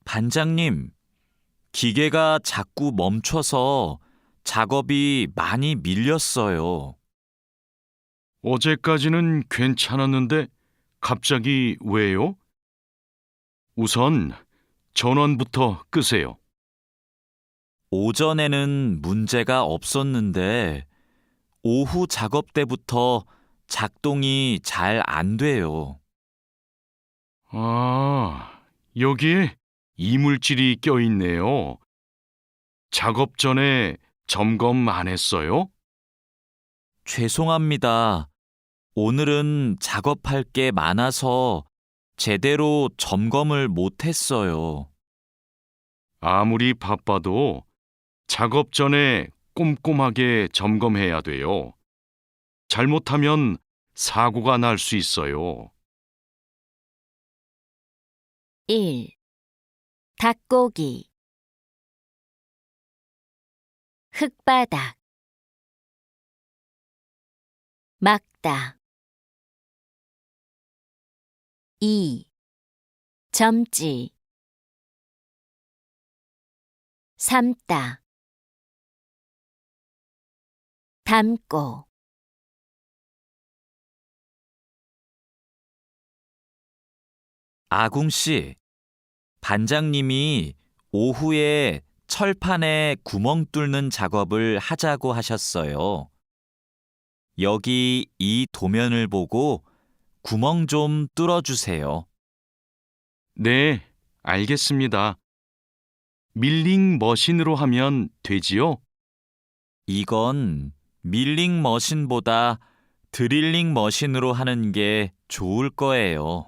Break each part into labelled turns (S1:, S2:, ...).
S1: 반장님, 기계가 자꾸 멈춰서 작업이 많이 밀렸어요.
S2: 어제까지는 괜찮았는데 갑자기 왜요? 우선 전원부터 끄세요.
S1: 오전에는 문제가 없었는데 오후 작업 때부터 작동이 잘 안 돼요.
S2: 아, 여기에 이물질이 껴있네요. 작업 전에 점검 안 했어요?
S1: 죄송합니다. 오늘은 작업할 게 많아서 제대로 점검을 못 했어요.
S2: 아무리 바빠도 작업 전에 꼼꼼하게 점검해야 돼요. 잘못하면 사고가 날 수 있어요.
S3: 1. 닭고기 흙바닥 막다 2. 점지 삶다 담고
S1: 아궁 씨, 반장님이 오후에 철판에 구멍 뚫는 작업을 하자고 하셨어요. 여기 이 도면을 보고 구멍 좀 뚫어주세요.
S2: 네, 알겠습니다. 밀링 머신으로 하면 되지요?
S1: 이건 밀링 머신보다 드릴링 머신으로 하는 게 좋을 거예요.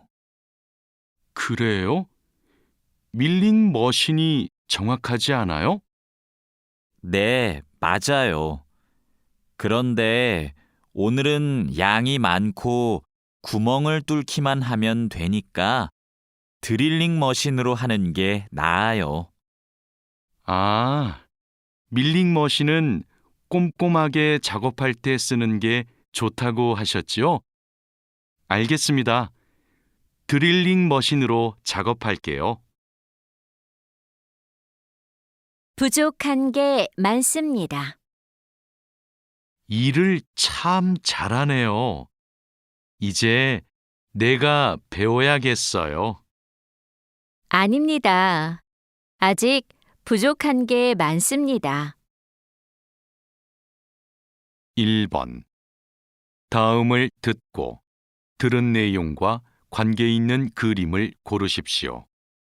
S2: 그래요? 밀링 머신이 정확하지 않아요?
S1: 네, 맞아요. 그런데 오늘은 양이 많고 구멍을 뚫기만 하면 되니까 드릴링 머신으로 하는 게 나아요.
S2: 아, 밀링 머신은 꼼꼼하게 작업할 때 쓰는 게 좋다고 하셨지요? 알겠습니다. 드릴링 머신으로 작업할게요.
S3: 부족한 게 많습니다.
S2: 일을 참 잘하네요. 이제 내가 배워야겠어요.
S3: 아닙니다. 아직 부족한 게 많습니다.
S2: 1번. 다음을 듣고 들은 내용과 관계 있는 그림을 고르십시오.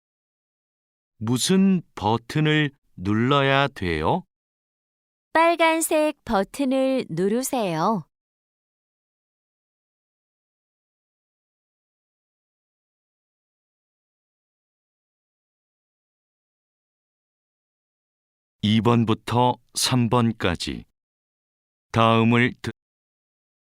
S2: 무슨 버튼을 눌러야 돼요?
S3: 빨간색 버튼을 누르세요.
S2: 2번부터 3번까지 다음을 듣고